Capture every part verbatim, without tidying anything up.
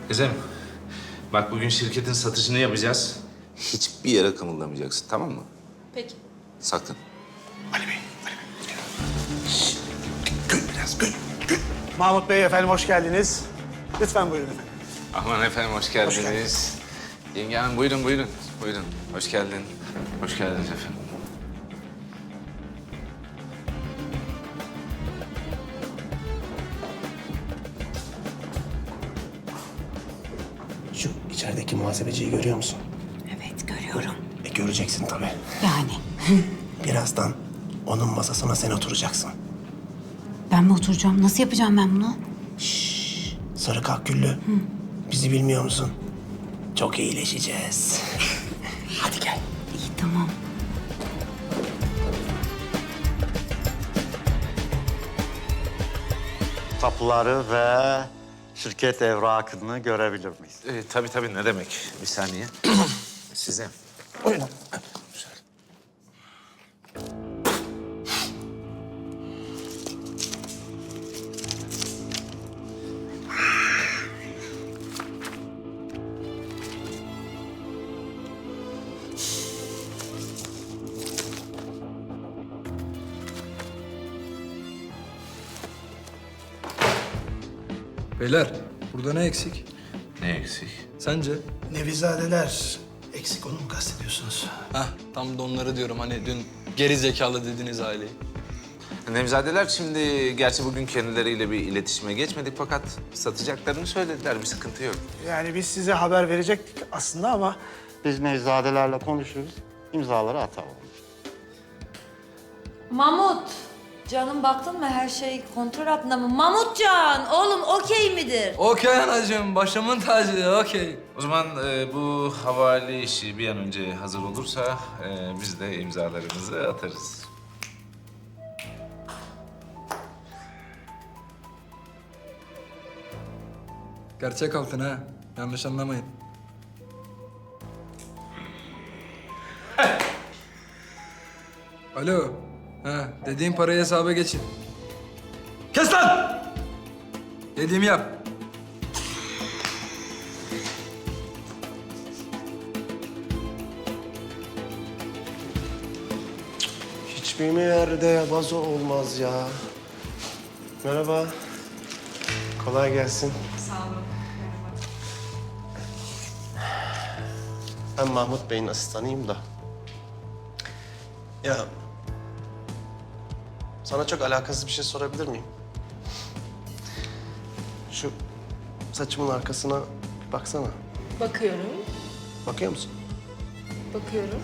Kızım, bak bugün şirketin satışını yapacağız. Hiçbir yere kımıldamayacaksın, tamam mı? Peki. Sakın. Ali Bey, Ali Bey. Şşş, gül biraz, gül, gül. Mahmut Bey efendim hoş geldiniz. Lütfen buyurun efendim. Aman efendim, hoş geldiniz. Hoş geldiniz. Yenge hanım, buyurun, buyurun. Buyurun, hoş geldin. Hoş geldiniz efendim. Şu içerideki muhasebeciyi görüyor musun? Evet, görüyorum. E göreceksin tabii. Yani Birazdan onun masasına sen oturacaksın. ben mi oturacağım? Nasıl yapacağım ben bunu? Sarı kaküllü. Bizi bilmiyor musun? Çok iyileşeceğiz. Hadi gel. İyi, tamam. Tapuları ve şirket evrakını görebilir miyiz? Ee, tabii tabii, ne demek? Bir saniye. Size. Buyurun. Beyler, burada ne eksik? Ne eksik? Sence? Nevizadeler eksik, onu mu kastediyorsunuz? Hah, tam da onları diyorum. Hani dün geri zekalı dediğiniz aileyi. Nevzadeler şimdi, gerçi bugün kendileriyle bir iletişime geçmedik fakat satacaklarını söylediler, bir sıkıntı yok. Yani biz size haber verecektik aslında ama Biz Nevzadelerle konuşuruz, imzaları atalım. Mamut, canım baktın mı her şey kontrol altında mı? Mamutcan, oğlum okey midir? Okey anacığım, başımın tacı, okey. O zaman e, bu havale işi bir an önce hazır olursa e, biz de imzalarımızı atarız. Gerçek altın ha, yanlış anlamayın. Alo, ha, dediğim parayı hesaba geçin. Kes lan! Dediğimi yap. Hiçbir mi yerde vazo olmaz ya? Merhaba. Kolay gelsin. Sağ olun. Ben Mahmut Bey'in asistanıyım da. Ya... Sana çok alakasız bir şey sorabilir miyim? Şu saçımın arkasına bir baksana. Bakıyorum, Bakıyor musun? bakıyorum.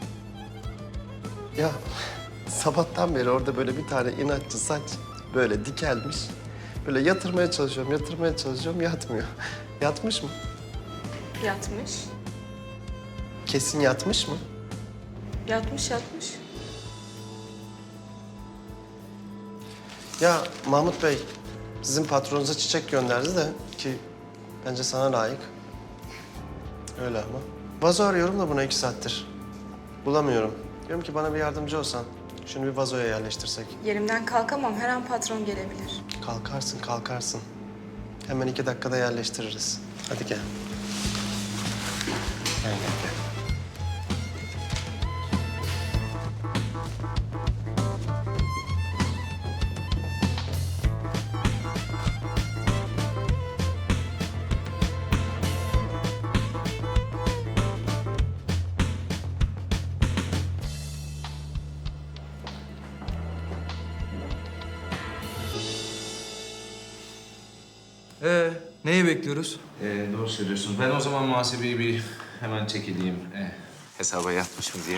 Ya sabahtan beri orada böyle bir tane inatçı saç böyle dikelmiş. Böyle yatırmaya çalışıyorum, yatırmaya çalışıyorum, yatmıyor. Yatmış mı? Yatmış. Kesin yatmış mı? Yatmış, yatmış. Ya Mahmut Bey, sizin patronunuza çiçek gönderdi de ki bence sana layık. Öyle ama. Vazo arıyorum da buna iki saattir. Bulamıyorum. Diyorum ki bana bir yardımcı olsan. Şunu bir vazoya yerleştirsek. Yerimden kalkamam, her an patron gelebilir. Kalkarsın, kalkarsın. Hemen iki dakikada yerleştiririz. Hadi gel. Gel, gel, gel. Ee, neyi bekliyoruz? Ee, doğru söylüyorsun. Ben o zaman muhasebeyi bir hemen çekileyim. Ee, hesaba yatmış mı diye.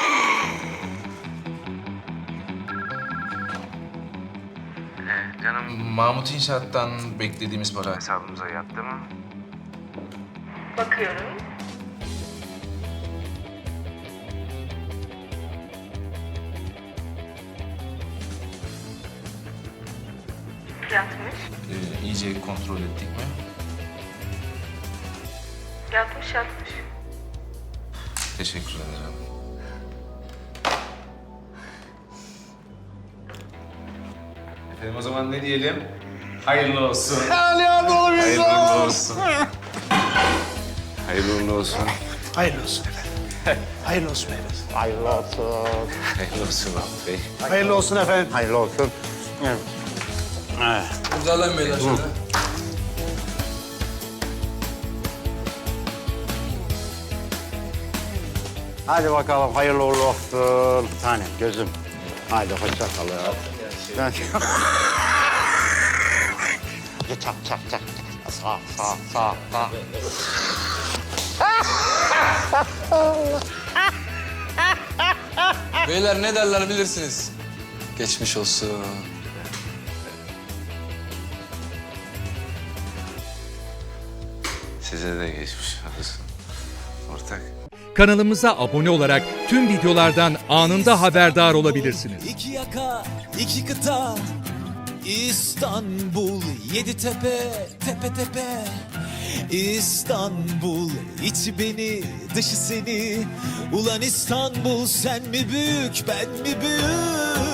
Ee, canım, Mahmut İnşaat'tan beklediğimiz para hesabımıza yattı mı? Bakıyorum. Yatmış. Ee, iyice kontrol ettik mi? Yatmış, yatmış. Teşekkür ederim. Efendim o zaman ne diyelim? Hayırlı olsun. Ali abi oğlum Hayırlı olsun. Hayırlı uğurlu olsun. Hayırlı olsun efendim. Hayırlı olsun beyefendi. Hayırlı olsun. Hayırlı olsun Mahmut Bey. Hayırlı olsun efendim. Hayırlı olsun. Evet. Evet. İmzalayın beyler şöyle. Hadi bakalım hayırlı uğurlu olsun. Bir tane gözüm. Haydi hoşça kalın. Ben... çak çak çak. Sağ sağ sağ sağ. Beyler ne derler bilirsiniz. Geçmiş olsun. Size de geçmiş olsun. Ortak. Kanalımıza abone olarak tüm videolardan anında haberdar olabilirsiniz. İki yaka, iki kıta, İstanbul, yedi tepe, tepe tepe. İstanbul, içi beni, dışı seni. Ulan İstanbul, sen mi büyük, ben mi büyük?